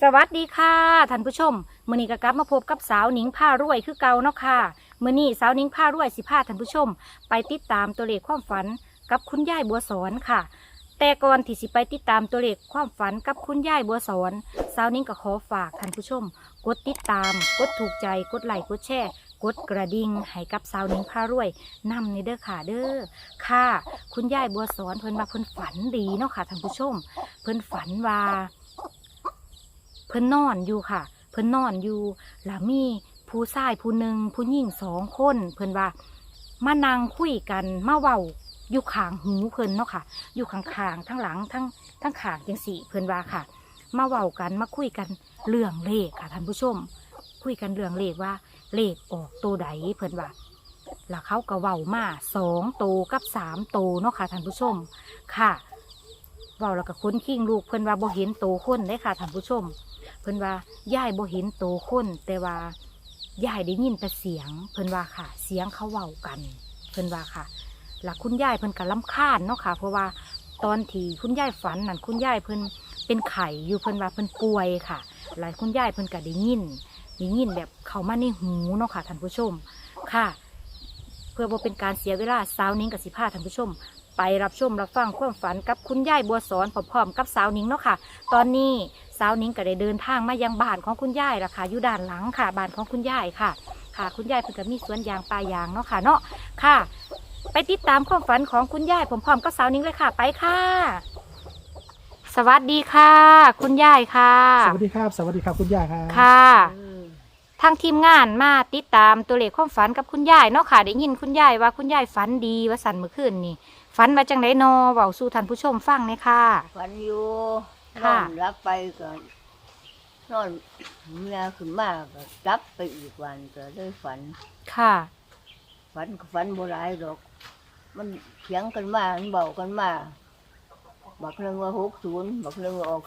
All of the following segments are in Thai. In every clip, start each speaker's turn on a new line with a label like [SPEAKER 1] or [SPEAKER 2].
[SPEAKER 1] สวัสดีค่ะท่านผู้ชมมื้อนี้ก็กลับมาพบกับสาวหนิงผ้ารวยคือเก่าเนาะค่ะมื้อนี้สาวหนิงผ้ารวยสิพาท่านผู้ชมไปติดตามตัวเลขความฝันกับคุณยายบัวสอนค่ะแต่ก่อนที่สิไปติดตามตัวเลขความฝันกับคุณยายบัวสอนสาวหนิงก็ขอฝากท่านผู้ชมกดติดตามกดถูกใจกดไลค์กดแชร์กดกระดิ่งให้กับสาวหนิงผ้ารวยนำในเด้อค่ะเด้อค่ะคุณยายบัวสอนเพิ่นว่าเพิ่นฝันดีเนาะค่ะท่านผู้ชมเพิ่นฝันว่าเพิ่นนอนอยู่ค่ะเพิ่นนอนอยู่แล้วมีผู้ชายผู้หนึ่งผู้หญิง2 คนเพิ่นว่ามานั่งคุยกันมาเว้าอยู่ข้างหูเพิ่นเนาะค่ะอยู่ข้างๆทั้งหลังทั้งข้างจังสี่เพิ่นว่าค่ะมาเว้ากันมาคุยกันเรื่องเลขค่ะท่านผู้ชมคุยกันเรื่องเลขว่าเลขออกตัวใดเพิ่นว่าแล้วเขาก็เว้ามา2 ตัวกับ3 ตัวเนาะค่ะท่านผู้ชมค่ะเว้าแล้วก็ค้นขิ้งลูกเพิ่นว่าบ่เห็นโตวคนเลยค่ะท่านผู้ชมเพิ่นว่ายายบ่เห็นโตคนแต่ว่ายายได้ยินแต่เสียงเพิ่นว่าค่ะเสียงเขาเว้ากันเพิ่นว่าค่ะหลักคุณยายเพิ่นก็รำคาญเนาะค่ะเพราะว่าตอนที่คุณยายฝันนั่นคุณยายเพิ่นเป็นไข้อยู่เพิ่นว่าเพิ่นป่วยค่ะหลายคุณยายเพิ่นก็ได้ยินแบบเข้ามาในหูเนาะค่ะท่านผู้ชมค่ะเพื่อบ่เป็นการเสียเวลาสาวนิ้งกับสิพาท่านผู้ชมไปรับชมรับฟังความฝันกับคุณยายบัวสอนพร้อมๆกับสาวนิ้งเนาะค่ะตอนนี้สาวนิ้งก็ได้เดินทางมายังบ้านของคุณยายละค่ะอยู่ด้านหลังค่ะบ้านของคุณยายค่ะค่ะคุณยายเพิ่นก็มีสวนยางป่ายางเนาะค่ะเนาะค่ะไปติดตามความฝันของคุณยายพร้อมๆกับสาวนิ้งเลยค่ะไปค่ะสวัสดีค่ะ คุณยายค่ะ
[SPEAKER 2] สวัสดีครับสวัสดีครับคุณย่าครับ
[SPEAKER 1] ค่ะทางทีมงานมาติดตามตัวเลขความฝันกับคุณยายเนาะค่ะได้ยินคุณยายว่าคุณยายฝันดีว่าสันเมื่อคืนนี่ฝันว่าจังไดนอเว้าสู่ท่านผู้ชมฟังเลยค่ะ
[SPEAKER 3] ฝันอยู่น
[SPEAKER 1] ค่ะ
[SPEAKER 3] อนรับไปก็นอนเมียขึ้นมาก็รับไปอีกวันก็ได้ฝัน
[SPEAKER 1] ค่ะ
[SPEAKER 3] ฝันก็ฝันโบราณดอก มันเถียงกันมามันเบากันมาบักหนึ่งว่า60บักหนึ่งว่าออก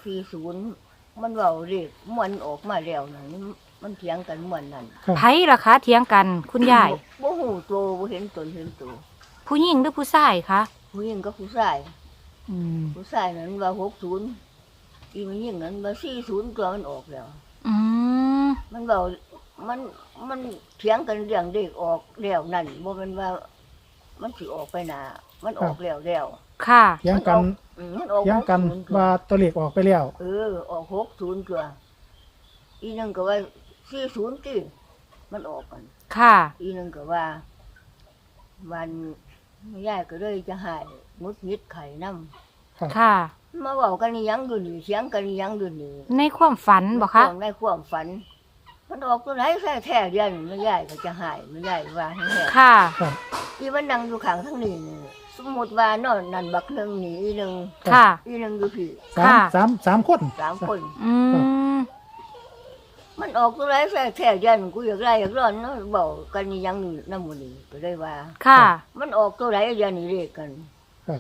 [SPEAKER 3] 40มันเบาเรียกมันออกมาแล้วนั่นมันเถียงกันเหมือนนั่น
[SPEAKER 1] ไผล่ะคะเถียงกันคุณยาย
[SPEAKER 3] บ่หูโตบ่เห็นตนเห็นตัว
[SPEAKER 1] ผู้หญิงหรือผู้ชายคะ
[SPEAKER 3] ผู้หญิงก็ผู้ชาย
[SPEAKER 2] อืม
[SPEAKER 3] ผู้ชายนั้นว่า60อีผู้หญิงนั้นว่า40ตัวมันออกแล้ว
[SPEAKER 1] อืม
[SPEAKER 3] มันเบามันเถียงกันเรื่องเด็กออกแล้วนั่นบ่แม่นว่ามันสิออกไปหน้ามันออกแล้ว
[SPEAKER 1] ค่ะ
[SPEAKER 2] เถียงกัน
[SPEAKER 3] มันออก
[SPEAKER 2] เถียงกัน
[SPEAKER 3] 60
[SPEAKER 2] ว่าตัวเลขออกไปแล้ว
[SPEAKER 3] ออก60ตัวอีนึงก็ว่า40ติมันออกกัน
[SPEAKER 1] ค่ะ
[SPEAKER 3] อีนึงก็ว่าวันยายก็เลยจะให้มุดมิดไข่นำ
[SPEAKER 2] ครับ
[SPEAKER 1] ค่ะ
[SPEAKER 3] มาเว้ากันอีหยังอยู่นี่เถียงกันอีหยังอยู่นี่
[SPEAKER 1] ในความฝันบอกคะ
[SPEAKER 3] ในความฝัน มันออกตัวไหนแท้ๆเดียวนี่แม่ยายก็จะให้แม่ยายว่าให้แท้
[SPEAKER 1] ค่ะ
[SPEAKER 2] ครับ
[SPEAKER 3] ที่มันนั่งอยู่ข้างทั้งนี้นี่สมมติว่านอนนั่นบักหนึ่งนี่อีหนึ่ง
[SPEAKER 1] ค่ะ
[SPEAKER 3] อีหนึ่งอยู่พี่
[SPEAKER 2] สาม
[SPEAKER 1] ค่ะ
[SPEAKER 2] สามคน
[SPEAKER 3] 3 คน
[SPEAKER 1] อืม
[SPEAKER 3] มันออกตัวไรแท้ๆยันกูอยากไล่อยากร้อนเนาะบอกกันนี่ยังน้ำมันนี่ก็ได้ว่า
[SPEAKER 1] ค่ะ
[SPEAKER 3] มันออกตัวไรยันนี่เรียกกัน
[SPEAKER 2] ครับ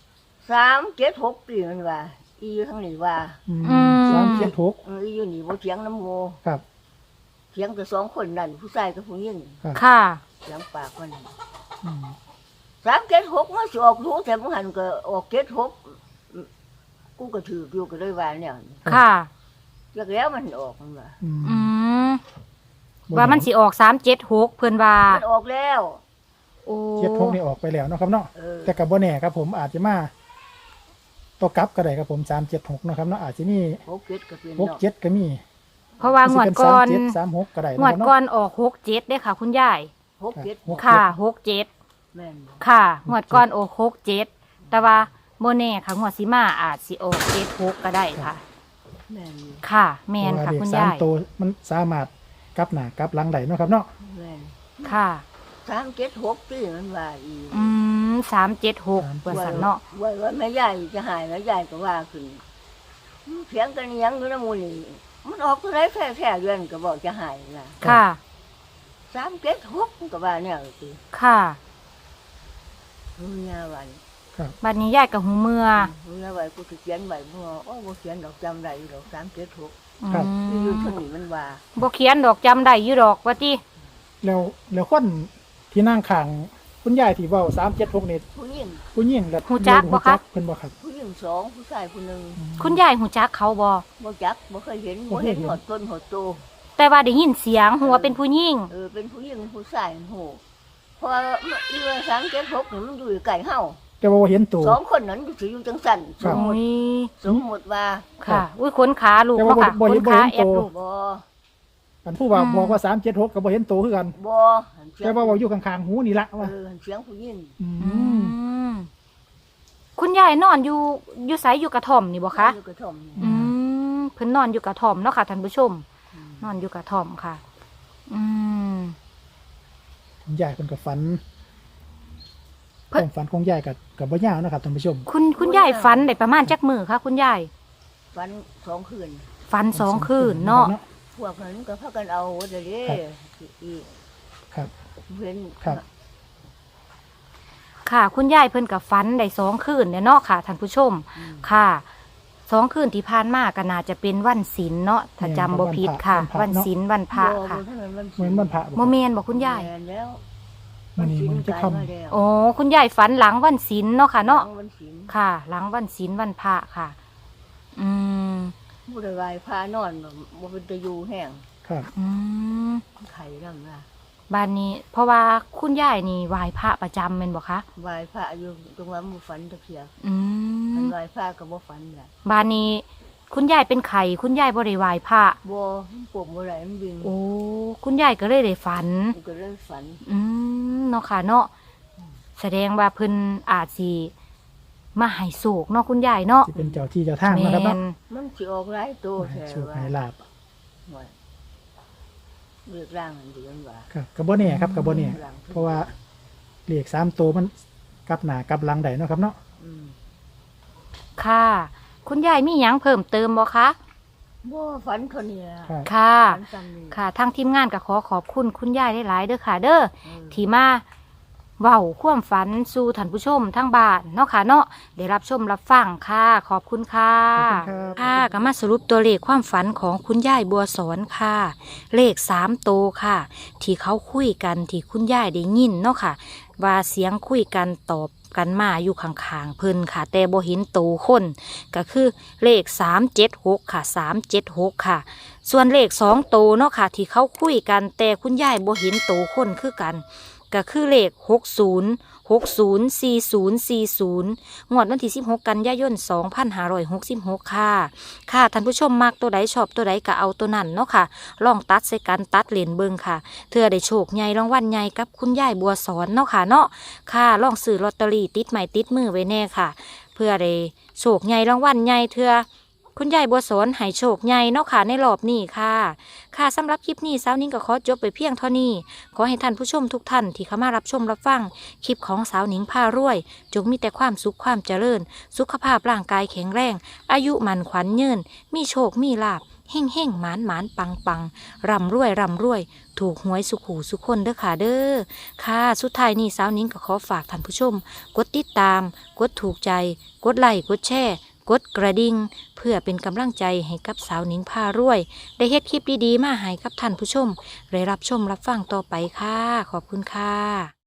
[SPEAKER 3] 376ปีมันว่า อีอยู่ทั้งนี้ว่า
[SPEAKER 2] อืม
[SPEAKER 1] อืม
[SPEAKER 2] 376
[SPEAKER 3] อีอยู่นี่บ่เถียงน้ำโม
[SPEAKER 2] ครับ
[SPEAKER 3] เถียงแต่2 คนนั่นผู้ชายกับผู้หญิง
[SPEAKER 2] ครับ
[SPEAKER 1] ค่ะ
[SPEAKER 3] เถียงปากมัน
[SPEAKER 2] อืม
[SPEAKER 3] 376มันสิออกรู้แต่บ่หันก็ออก76กูก็ถืออยู่ก็ได้ว่าเนี่ย
[SPEAKER 1] ค่ะ
[SPEAKER 3] จักแล้วมันออกมันว่า
[SPEAKER 2] อืม
[SPEAKER 1] อืมว่ามันสิออก376เพิ่นว่า
[SPEAKER 3] มันออกแล้ว
[SPEAKER 1] โอ้
[SPEAKER 2] 76นี่ออกไปแล้วเนาะครับเนาะ
[SPEAKER 3] เออ
[SPEAKER 2] แต่กับบ่แน่ครับผมอาจจะมาตัวกลับก็ได้ครับผม376เนาะครับเนาะอาจจะมี
[SPEAKER 3] 67ก็เป็น
[SPEAKER 2] 6
[SPEAKER 3] เนาะ
[SPEAKER 2] 7ก็มี
[SPEAKER 1] เพราะว่างวดก่อน
[SPEAKER 2] สิเป็น37 36ก็ได้
[SPEAKER 1] งว
[SPEAKER 2] เนาะ
[SPEAKER 1] ด
[SPEAKER 2] ครับ
[SPEAKER 1] ก่อ
[SPEAKER 2] เนาะ
[SPEAKER 1] นออก67ได้ค่ะ คุณยาย
[SPEAKER 3] 67
[SPEAKER 2] หก
[SPEAKER 1] ค่ะ67
[SPEAKER 3] แม่นบ่
[SPEAKER 1] ค่ะงวดก่อนออก67แต่ว่าโมเน่ค่ะงวดสิมาอาจสิออก76ก็ได้ค่ะ
[SPEAKER 3] แม่นอยู่
[SPEAKER 1] ค่ะ แมนค่ะ
[SPEAKER 2] เพ
[SPEAKER 1] คุ
[SPEAKER 2] รา
[SPEAKER 1] ณ
[SPEAKER 2] ว่าเลข
[SPEAKER 1] ยาย
[SPEAKER 2] 3ตัวมันสามารถกลับหน้ากลับหลังได้เนาะครับเนาะ
[SPEAKER 3] แม่น
[SPEAKER 1] ค่ะ
[SPEAKER 3] 376ปีมันว่าอีก
[SPEAKER 1] 376ว่าสันเนาะ
[SPEAKER 3] ว่าแม่ยายจะหายแม่ยายก็ว่าขึ้นเถียงกันอีหยังอยู่นำหมู่นี่มันออกตัวไหนแท้ๆเดือนก็บอกจะหายน่ะ
[SPEAKER 1] ค่ะ
[SPEAKER 3] 376ก็ว่าแนวสิ
[SPEAKER 1] ค่ะ
[SPEAKER 3] มึงยาวัน
[SPEAKER 1] บัดนี้ยายกับหูเมื่อ
[SPEAKER 3] มึงยาไว้กูสิเขียนไว้บ่โอ้บ่เขียนดอกจำได้อยู่ดอก376
[SPEAKER 1] อืม
[SPEAKER 3] อยู่เท่านี้มันว่า
[SPEAKER 1] บ่เขียนดอกจำได้อยู่ดอกว่าติ
[SPEAKER 2] แล้วคนที่นั่งข้างคุณยายที่เว้า376นี่
[SPEAKER 3] ผู้หญิง
[SPEAKER 2] ผู้หญิงและ
[SPEAKER 1] ฮู้จักบ่คะ
[SPEAKER 2] เพิ่นบ่ครับ
[SPEAKER 3] ผู้หญิงงสองผู้ชายผู้หนึ่ง
[SPEAKER 1] คุณยายหูจักเขาบ่
[SPEAKER 3] บ่จักบ่เคยเห็นบ่เห็นหอดต้นหอดโต
[SPEAKER 1] แต่ว่าได้ยินเสียงหัวาเป็นผู้หญิง
[SPEAKER 3] เป็นผู้หญิงผู้ชายโหเพราะว่าเรือสังเกตพกนี่มันอยู่ไกลเฮา
[SPEAKER 2] แต่ว่าบ่เห็นตัว
[SPEAKER 3] สองคนนั้นสิอยู่จังซั่น
[SPEAKER 2] ครับ
[SPEAKER 1] โอ้ย
[SPEAKER 3] สมมุติว่า
[SPEAKER 1] ค่ะ อุ้ยขนขาลูก
[SPEAKER 2] แต่
[SPEAKER 1] เนาะ
[SPEAKER 2] ว่า
[SPEAKER 1] ค่ะ
[SPEAKER 2] บ่
[SPEAKER 1] ข
[SPEAKER 2] เห็
[SPEAKER 1] น
[SPEAKER 2] นบ่
[SPEAKER 1] ขา
[SPEAKER 2] เห็น
[SPEAKER 1] แอด
[SPEAKER 2] ตัว
[SPEAKER 1] ลูก
[SPEAKER 3] บ่
[SPEAKER 2] อันผู้ว่า
[SPEAKER 1] อืม
[SPEAKER 2] บอกว่า376ก็บ่เห็นตัวคือกัน
[SPEAKER 3] บ่
[SPEAKER 2] แต่ว่าอยู่ข้างๆหูนี่ละว่า
[SPEAKER 3] เสียงผู้หญิง
[SPEAKER 2] อื
[SPEAKER 1] อื
[SPEAKER 2] ม
[SPEAKER 1] มคุณยายนอนอยู่ไสอยู่กระท่อมนี่บ่คะ
[SPEAKER 3] อยู่กระท่อมนี่
[SPEAKER 1] อืมเพิ่นนอนอยู่กระท่อมเนาะค่ะท่านผู้ชม นอนอยู่กระท่อมค่ะ อืม
[SPEAKER 2] คุณยายเพิ่นก็ฝัน
[SPEAKER 1] เพิ่น
[SPEAKER 2] ความฝันของยายกับบ่ยาวนะครับท่านผู้ชม
[SPEAKER 1] คุณยายฝันได้ประมาณจักมื้อคะคุณยาย
[SPEAKER 3] ฝันสองคืน
[SPEAKER 1] ฝัน2 คืนเนาะ
[SPEAKER 3] พวกนั้นก็พากันเอาเด้อเด้อีก
[SPEAKER 2] ครับ
[SPEAKER 3] เห็น
[SPEAKER 2] ครับ
[SPEAKER 1] ค่ะ คุณยายเพิ่นกับฝันได้2 คืนเนี่ยเนาะค่ะท่านผู้ชม ค่ะ2 คืนที่ผ่านมาก็น่าจะเป็นวันศีลเนาะถ้าจำบ่ผิดค่ะ วันศีลวันพระค่ะ
[SPEAKER 2] เหมือนวันพระ
[SPEAKER 1] โมเมนบอกคุณยาย
[SPEAKER 3] แม่นแล้ว
[SPEAKER 2] มื้อนี้มันจะค่ำ
[SPEAKER 3] ตายมาแล้ว
[SPEAKER 1] โอ้คุณยายฝันหลังวันศีลเนาะค่ะเนาะ
[SPEAKER 3] วันศีล
[SPEAKER 1] ค่ะ หลังวันศีลวันพระค่ะ อืม
[SPEAKER 3] ผู้ใดไหวพานอนบ่เป็นตะอยู่แห้ง
[SPEAKER 2] ครับ
[SPEAKER 1] อืม
[SPEAKER 3] ไข่นำล่ะ
[SPEAKER 1] บ้านนี้ เพราะว่าคุณยายนี่ไหว้พระประจำแม่นบ่คะ
[SPEAKER 3] ไหวพระอยู่ตรงว่าบ่ฝันตะเคีย
[SPEAKER 1] อื
[SPEAKER 3] คัน
[SPEAKER 1] ม
[SPEAKER 3] ไหวพระก็บ่ฝันแหละ
[SPEAKER 1] บ้านนี้ คุณยายเป็นไข่คุณยายบ่ได้ไหว้พระ
[SPEAKER 3] บ่มันปวดบ่ไหลมันดึง
[SPEAKER 1] โอ้คุณยายก็เลยได้ฝัน
[SPEAKER 3] มันก็เลยฝัน
[SPEAKER 1] อืมเนาะค่ะเนาะแสดงว่าเพิ่นอาจสิมาให้โศกเนาะคุณยายเนาะ
[SPEAKER 2] สิเป็นเจ้าที่เจ้าทาง
[SPEAKER 1] แม่
[SPEAKER 2] นะครับเนาะ
[SPEAKER 1] น
[SPEAKER 3] มันสิออกหลายตัว
[SPEAKER 2] ให้
[SPEAKER 3] แท้
[SPEAKER 2] โชค
[SPEAKER 3] ว่า
[SPEAKER 2] ให้ลาบ
[SPEAKER 3] หน่อยเลือกร่างอันเดียวว่า
[SPEAKER 2] ครับก็บ่แน่ครับก็บ่แน่เพราะว่าเลข3ตัวมันกลับหน้ากลับหลังได้เนาะครับเนาะ
[SPEAKER 3] อืม
[SPEAKER 1] ค่ะ คุณยายมีหยังเพิ่มเติมบ่คะ
[SPEAKER 3] บ่ฝันคนนี้ล่ะ
[SPEAKER 2] ครับ
[SPEAKER 1] ค่ะ
[SPEAKER 3] ฝันซ้ำนี่
[SPEAKER 1] ค่ะทางทีมงานก็ขอขอบคุณคุณยายหลายๆเด้อค่ะ เด้อ
[SPEAKER 3] เออ
[SPEAKER 1] ที่มาเว้าความฝันสู่ท่านผู้ชมทั้งบ้านเนาะค่ะเนาะได้รับชมรับฟังค่ะ ขอบคุณค่ะ
[SPEAKER 2] ขอบคุณครับ
[SPEAKER 1] ค่ะก็มาสรุปตัวเลขความฝันของคุณยายบัวสอนค่ะ เลข3โตวค่ะ ที่เขาคุยกันที่คุณยายได้ยินเนาะค่ะ ว่าเสียงคุยกันตอบกันมาอยู่ข้างๆเพิ่นค่ะ แต่บ่เห็นโตวคนก็คือเลข376ค่ะ376ค่ะ ส่วนเลข2โตวเนาะค่ะ ที่เขาคุยกันแต่คุณยายบ่เห็นโตวคนคือกัน ก็คือเลข60404040งวดวันที่16 กันยายน 2566 ค่ะ ค่ะท่านผู้ชมมักตัวใดชอบตัวใดก็เอาตัวนั้นเนาะค่ะ ลองตัดใส่กันตัดเลนเบิงค่ะเพื่อได้โชคใหญ่รางวัลใหญ่กับคุณยายบัวสอนเนาะค่ะเนาะค่ะลองซื้อลอตเตอรี่ติดไม้ติดมือไว้แน่ค่ะ เพื่อได้โชคใหญ่รางวัลใหญ่เถื่อคุณยายบัวสอนให้โชคใหญ่เนาะค่ะในรอบนี้ค่ะ ค่ะสำหรับคลิปนี้สาวนิ้งก็ขอจบไปเพียงเท่านี้ ขอให้ท่านผู้ชมทุกท่านที่เข้ามารับชมรับฟังคลิปของสาวหนิงพารวย จงมีแต่ความสุขความเจริญ สุขภาพร่างกายแข็งแรง อายุมันขวัญยืนมีโชคมีลาภเฮ่งเฮ่งหมานหมานปังปังร่ำรวยร่ำรวย ถูกหวยสุขหูสุขคนเด้อค่ะเด้อค่ะสุดท้ายนี้สาวนิ้งก็ขอฝากท่านผู้ชม กดติดตาม กดถูกใจ กดไลค์กดแชร์กดกระดิ่งเพื่อเป็นกำลังใจให้กับสาวหนิงพารวย ได้เฮ็ดคลิปดีๆมาให้กับท่านผู้ชมได้รับชมรับฟังต่อไปค่ะ ขอบคุณค่ะ